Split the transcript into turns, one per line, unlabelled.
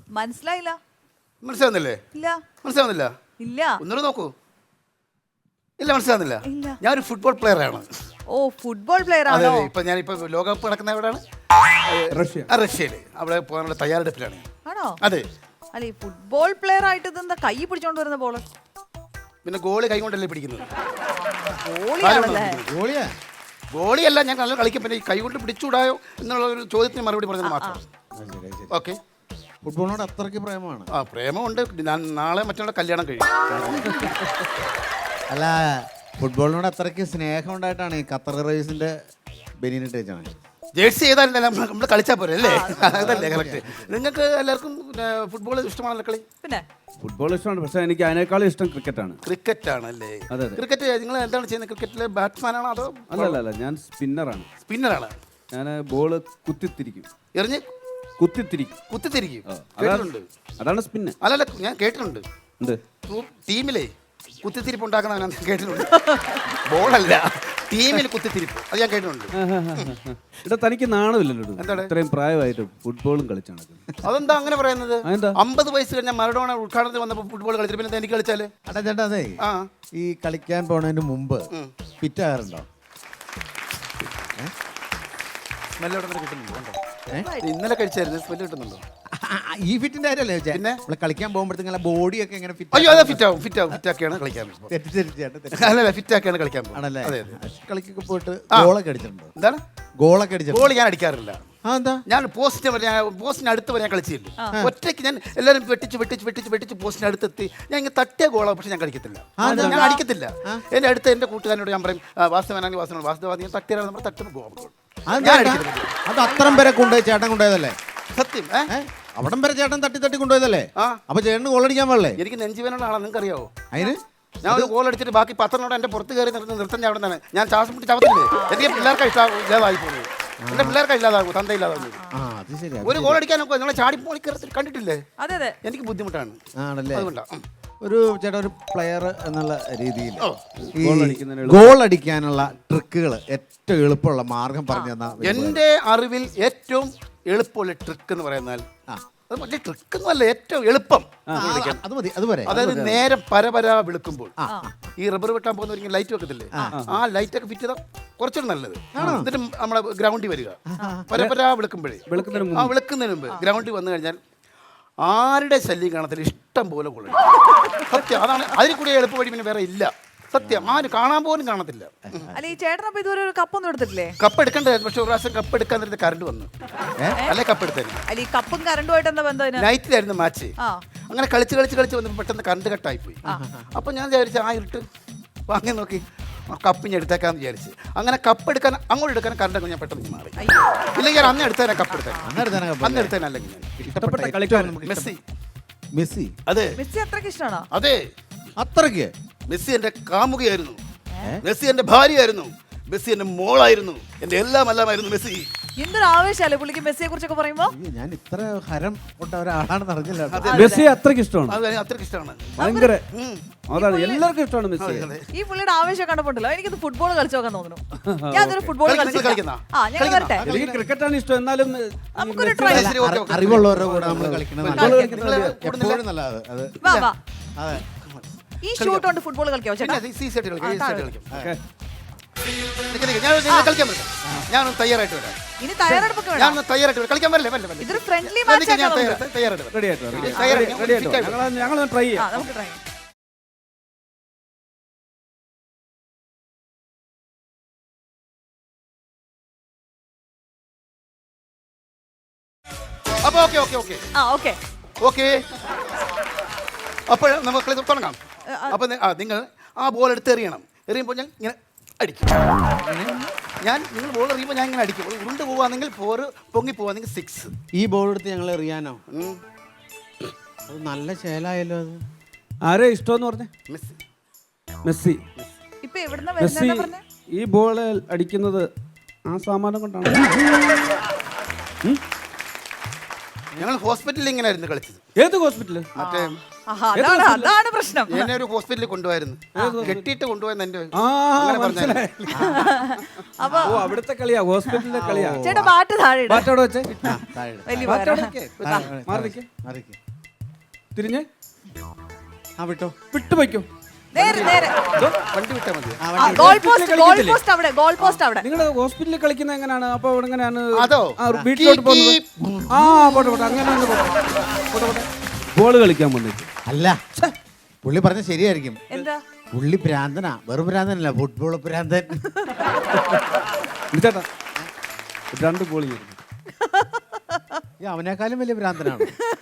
മനസ്സിലായില്ല.
മനസ്സിലാവുന്നില്ലേ?
ഇല്ല.
മനസ്സിലാവുന്നില്ല?
ഇല്ല.
ഒന്നുകൂടെ നോക്കൂ. ഇല്ല, മനസ്സിലാവുന്നില്ല?
ഇല്ല.
ഞാനൊരു ഫുട്ബോൾ പ്ലെയർ ആണ്.
ഓ, ഫുട്ബോൾ പ്ലെയർ
അതെ,
ആണോ?
ഞാനിപ്പോ ലോകകപ്പ് നടക്കുന്ന എവിടെയാണ്? റഷ്യയില്. അവിടെ പോകാനുള്ള തയ്യാറെടുപ്പിലാണ്.
ആണോ?
അതെ.
അല്ല, ഈ ഫുട്ബോൾ പ്ലെയർ ആയിട്ട് ഇതെന്താ കൈ പിടിച്ചോണ്ട് വരുന്ന ബോള്?
പിന്നെ ഗോളി കൈ കൊണ്ടല്ലേ പിടിക്കുന്നത്?
ഗോളിയാണല്ലേ?
ഗോളിയല്ല, ഞാൻ നല്ല കളിക്കും. പിന്നെ ഈ കൈ കൊണ്ട് പിടിച്ചുകൂടായോ എന്നുള്ള ഒരു ചോദ്യത്തിന് മറുപടി പറഞ്ഞത് മാത്രം. ഓക്കെ.
ഫുട്ബോളിനോട് അത്രയ്ക്ക് പ്രേമമാണ്.
പ്രേമമുണ്ട്. ഞാൻ നാളെ മറ്റുള്ള കല്യാണം കഴിയും.
അല്ല, ഫുട്ബോളിനോട് അത്രയ്ക്ക് സ്നേഹം ഉണ്ടായിട്ടാണ് ഈ ഖത്തർ റൈസിന്റെ ബെനിനിട്ട് വെച്ചാണ്.
ജേഴ്സി ചെയ്താലല്ല നമ്മൾ കളിച്ചാൽ പോരെ അല്ലേ? അതല്ലേ കറക്റ്റ്. നിങ്ങൾക്ക് എല്ലാവർക്കും ഫുട്ബോൾ ഇഷ്ടമാണല്ലോ കളി?
പിന്നെ
ഫുട്ബോൾ ഇഷ്ടമാണ്, പക്ഷേ എനിക്ക് അതിനേക്കാളും ഇഷ്ടം ക്രിക്കറ്റാണ്.
ക്രിക്കറ്റ് ആണല്ലേ?
അതെ.
ക്രിക്കറ്റ് നിങ്ങൾ എന്താണ് ചെയ്യുന്നത്? ക്രിക്കറ്റിലെ ബാറ്റ്സ്മാനാണോ അതോ?
അല്ല, ഞാൻ സ്പിന്നറാണ്.
സ്പിന്നറാണ്.
ഞാൻ ബോള് കുത്തിത്തിരിക്കും.
എറിഞ്ഞ് കുത്തിത്തിരിക്കും.
അതാണ് സ്പിന്ന്.
അല്ലല്ല, ഞാൻ കേട്ടിട്ടുണ്ട്.
എന്ത്
ടീമിലെ കുത്തിത്തിരിപ്പ് ഉണ്ടാക്കുന്ന ഞാൻ കേട്ടിട്ടുണ്ട്. ബോളല്ല, ടീമിൽ കുത്തിത്തിരിപ്പ്. അത് ഞാൻ കേട്ടിട്ടുണ്ട്.
ഇവിടെ തനിക്ക് നാണമില്ലല്ലോ?
എന്താണ്
ഇത്രയും പ്രായമായിട്ട് ഫുട്ബോളും കളിച്ചാണ്.
അതെന്താ അങ്ങനെ പറയുന്നത്? 50 വയസ്സ് കഴിഞ്ഞാൽ മറഡോണ ഉദ്ഘാടനത്തിൽ വന്നപ്പോൾ ഫുട്ബോൾ കളിച്ചിട്ട് പിന്നെ എനിക്ക് കളിച്ചാല്?
അടാ ചേട്ടാ, അതെ, ഈ കളിക്കാൻ പോണതിന് മുമ്പ് ഫിറ്റ് ആകാറുണ്ടോ?
സ്മെല്ല് എവിടെ നിന്ന് കിട്ടുന്നുണ്ടോ? ഇന്നലെ കഴിച്ചായിരുന്നു. സ്മെല്ല് കിട്ടുന്നുണ്ടോ?
ഈ ഫിറ്റിന്റെ കാര്യമല്ലേ ചോദിച്ചാൽ? പിന്നെ നമ്മൾ കളിക്കാൻ പോകുമ്പോഴത്തേക്കും ബോഡിയൊക്കെ എങ്ങനെ ഫിറ്റ്?
അയ്യോ, അതെ, ഫിറ്റാക്കിയാണ് കളിക്കാൻ. അല്ലല്ല, ഫിറ്റാക്കിയാണ് കളിക്കാൻ
ആണല്ലേ?
അതെ.
കളിക്കൊക്കെ പോയിട്ട് ഗോളൊക്കെ അടിച്ചിട്ടുണ്ടോ?
എന്താണ്
ഗോളൊക്കെ അടിച്ചിട്ടുണ്ടോ?
ഗോൾ ഞാൻ അടിക്കാറില്ല.
എന്താ?
ഞാൻ പോസ്റ്റിന് അടുത്ത് വരെ ഞാൻ കളിച്ചില്ല. ഒറ്റയ്ക്ക് ഞാൻ എല്ലാവരും വെട്ടിച്ച് പോസ്റ്റിന് അടുത്തെത്തി ഞാൻ ഇങ്ങനെ തട്ടിയ ഗോളാണ്. പക്ഷെ ഞാൻ കളിക്കത്തില്ല. ഞാൻ അടിക്കത്തില്ല. എൻ്റെ അടുത്ത് എൻ്റെ കൂട്ടുകാരനോട് ഞാൻ പറയും, വാസ്തവനാണെങ്കിൽ വാസ്തവ ഞാൻ തട്ടിയാൽ നമ്മൾ തട്ടുന്ന ഗോൾ.
അത് അത്രയും പേരെ കൊണ്ടുപോയി ചേട്ടൻ കൊണ്ടുപോയതല്ലേ?
സത്യം.
അവിടം വരെ ചേട്ടൻ തട്ടി കൊണ്ടുപോയതല്ലേ? അപ്പൊ ചേട്ടന് ഗോൾ അടിക്കാൻ പാടില്ലേ?
എനിക്ക് നെഞ്ചുവേനാണോ നിങ്ങൾക്ക് അറിയാവോ?
അതിന്
ഞാൻ ഒരു ഗോൾ അടിച്ചിട്ട് ബാക്കി 10 എൻ്റെ പുറത്ത് കയറി നിർത്തം അവിടെ തന്നെ ഞാൻ ശ്വാസം പിടിച്ച് ചവത്തില്ലേ? എനിക്ക് പിള്ളേർക്ക് ഇല്ലാതായി പോകുന്നത്. എന്റെ പിള്ളേർക്ക് ഇല്ലാതാകും, തന്ത ഇല്ലാതാകും. ഒരു ഗോൾ അടിക്കാൻ നോക്കുക, നിങ്ങളെ ചാടിപ്പോളി കണ്ടിട്ടില്ലേ?
അതെ,
എനിക്ക് ബുദ്ധിമുട്ടാണ്.
ആണല്ലേ?
അതുകൊണ്ടാണ്
ഒരു ചേട്ടാ, ഒരു പ്ലെയർ എന്നുള്ള രീതിയിൽ ഗോൾ അടിക്കാനുള്ള ട്രിക്കുകൾ ഏറ്റവും എളുപ്പമുള്ള മാർഗം പറഞ്ഞു തന്നാ.
എൻ്റെ അറിവിൽ ഏറ്റവും എളുപ്പമുള്ള ട്രിക്ക് എന്ന് പറയുന്നാൽ, അത് മറ്റേ ട്രിക്കൊന്നും അല്ല, ഏറ്റവും എളുപ്പം. അതായത് നേരം പരപരാ വിളിക്കുമ്പോൾ ഈ റബ്ബർ വെട്ടാൻ പോകുന്നവർക്ക് ലൈറ്റ് വെക്കത്തില്ലേ? ആ ലൈറ്റ് ഒക്കെ ഫിറ്റ് ചെയ്താൽ കുറച്ചുകൂടി നല്ലത്. എന്നിട്ട് നമ്മുടെ ഗ്രൗണ്ടിൽ വരിക, പരപരാ വിളിക്കുന്നതിന് മുമ്പ് ഗ്രൗണ്ടിൽ വന്നു കഴിഞ്ഞാൽ ആരുടെ ശല്യം കാണത്തില്ല, ഇഷ്ടം പോലെ കൊള്ളു. സത്യം, അതാണ്. അതിൽ കൂടി എളുപ്പ വഴി പിന്നെ വേറെ ഇല്ല. സത്യം, ആരും കാണാൻ പോലും കാണത്തില്ല.
അല്ല, ഈ ചേട്ടനപ്പോ ഇതുവരെ ഒരു കപ്പൊന്നും എടുത്തിട്ടില്ലേ?
കപ്പ് എടുക്കണ്ടേ? പക്ഷെ ഒരു പ്രാവശ്യം കപ്പ് എടുക്കാൻ നേരത്തെ കറണ്ട് വന്നു. അല്ലെ കപ്പ് എടുത്തേനെ.
അല്ല, ഈ കപ്പും കറണ്ടുമായിട്ട് എന്താ ബന്ധം?
നൈറ്റിലായിരുന്നു മാച്ച്. അങ്ങനെ കളിച്ച് വന്നപ്പോൾ പെട്ടെന്ന് കറണ്ട് കട്ടായി പോയി. അപ്പൊ ഞാൻ വിചാരിച്ചു, ആ ഇരുട്ട് വാങ്ങി നോക്കി കപ്പ് ഞാൻ എടുത്തേക്കാന്ന് വിചാരിച്ച്. അങ്ങനെ കപ്പ് എടുക്കാൻ അങ്ങോട്ട് എടുക്കാൻ കറണ്ട് ഞാൻ പെട്ടെന്ന് മാറി. ഇല്ലെങ്കിൽ അന്ന് എടുത്തേനെ കപ്പ് എടുത്തേ. അന്ന് എടുത്തേനെ. അല്ലെങ്കിൽ
ഇഷ്ടപ്പെട്ട കളിക്കാരൻ
മെസ്സി. അതെ,
മെസ്സി അത്രയ്ക്ക് ഇഷ്ടമാണോ?
അതെ,
അത്രയ്ക്ക്.
മെസ്സി എൻ്റെ കാമുകയായിരുന്നു. മെസ്സി എൻ്റെ ഭാര്യയായിരുന്നു. മെസ്സി എൻ്റെ മോളായിരുന്നു. എൻ്റെ എല്ലാമായിരുന്നു മെസ്സി.
എന്തൊരു ആവേശമല്ലേ പുള്ളിക്ക് മെസ്സിയെ കുറിച്ചൊക്കെ പറയുമ്പോ?
ഞാൻ ഇത്ര ഹരം കൊണ്ട ഒരാളാണെന്ന് അറിഞ്ഞില്ല.
മെസ്സി അത്രയ്ക്ക് ഇഷ്ടമാണ്.
അത്രയ്ക്ക് ഇഷ്ടമാണ്.
ഭയങ്കര, അതാണ് എല്ലാവർക്കും ഇഷ്ടമാണ് മെസ്സി.
ഈ പുള്ളിയുടെ ആവേശം കണ്ടപ്പോണ്ടല്ലോ എനിക്കത് ഫുട്ബോൾ കളിച്ചു നോക്കാൻ തോന്നുന്നു. ഞാനൊരു ഫുട്ബോൾ കളിക്കുന്ന
എനിക്ക് ക്രിക്കറ്റാണ് ഇഷ്ടം. എന്നാലും
നമുക്കൊരു ട്രൈ.
അറിവുള്ളവരുടെ കൂടെ നമ്മൾ കളിക്കണം. എപ്പോഴും നല്ലത്.
ഈ ഷൂട്ട് കൊണ്ട് ഫുട്ബോൾ കളിക്കാവോ ചേട്ടാ?
ഞാൻ തയ്യാറായിട്ട് വരാം.
ഇനി തയ്യാറെടുപ്പൊക്കെ
ഞാൻ തയ്യാറായിട്ട് വരാം. കളിക്കാൻ പറ്റില്ലേ?
ഇതൊരു ഫ്രണ്ട്ലി മാച്ച് ആണ്.
ഞങ്ങൾ ട്രൈ ചെയ്യാം.
നമുക്ക് ട്രൈ ചെയ്യാം.
അപ്പൊ ഓക്കെ. അപ്പോൾ നമുക്ക് തുടങ്ങാം. അപ്പൊ നിങ്ങൾ ആ ബോൾ എടുത്ത് എറിയുമ്പോൾ ഞാൻ ഇങ്ങനെ അടിക്കും. നിങ്ങൾ ബോൾ എറിയുമ്പോൾ ഞാൻ ഇങ്ങനെ അടിക്കും. ഉരുണ്ട് പോവാണെങ്കിൽ 4, പൊങ്ങി പോവാണെങ്കിൽ 6.
ഈ ബോൾ എടുത്ത് ഞങ്ങൾ എറിയാനോ? അത് നല്ല ശേലായല്ലോ. അത്
ആരെ ഇഷ്ടമെന്ന് പറഞ്ഞേ? മെസ്സി. മെസ്സി ഈ ബോൾ അടിക്കുന്നത് ആ സാമാനം കൊണ്ടാണ്.
ഞങ്ങൾ ഹോസ്പിറ്റലിൽ ഇങ്ങനെ ആയിരുന്നു കളിച്ചത്.
ഏത് ഹോസ്പിറ്റല്?
മറ്റേ
അതാണ് പ്രശ്നം.
എന്നെ ഒരു ഹോസ്പിറ്റലിൽ കൊണ്ടുപോയിരുന്നു, കെട്ടിയിട്ട് കൊണ്ടുപോയെന്ന് എന്റെ
ആ
അങ്ങനെ പറഞ്ഞു.
അപ്പൊ
ഓ അവിടുത്തെ കളിയാ, ഹോസ്പിറ്റലിലെ കളിയാ.
ചേട്ടാ ബാറ്റ് താഴെ ഇട്.
ബാറ്റ് അവിടെ വെച്ചേ.
വലിയ
ബാറ്റ് അവിടെ
ഉപകാരം.
വെക്ക്. മാറി നിൽക്ക്. തിരിഞ്ഞ്
വിട്ടോ
വിട്ടു വയ്ക്കും.
നേരെ
വണ്ടി വിട്ടാൽ മതി.
ഗോൾ പോസ്റ്റ് അവിടെ, ഗോൾ പോസ്റ്റ് അവിടെ.
നിങ്ങൾ ഹോസ്പിറ്റലിൽ കളിക്കുന്നത് എങ്ങനെയാണ്? അപ്പൊ അവിടെ എങ്ങനെയാണ്
അതോ?
വീട്ടിലോട്ട് പോകുന്നത്? ആ പോട്ടെ പോട്ടെ, അങ്ങനെ ബോള് കളിക്കാൻ വന്നിട്ട്
അല്ല, പുള്ളി പറഞ്ഞ ശരിയായിരിക്കും.
എന്താ
പുള്ളി ഭ്രാന്തനാ, വെറും ഭ്രാന്തനല്ല, ഫുട്ബോൾ ഭ്രാന്തൻ.
ചേട്ടാ 2 ബോളിങ്
അവനേക്കാളും വലിയ ഭ്രാന്തനാണ്.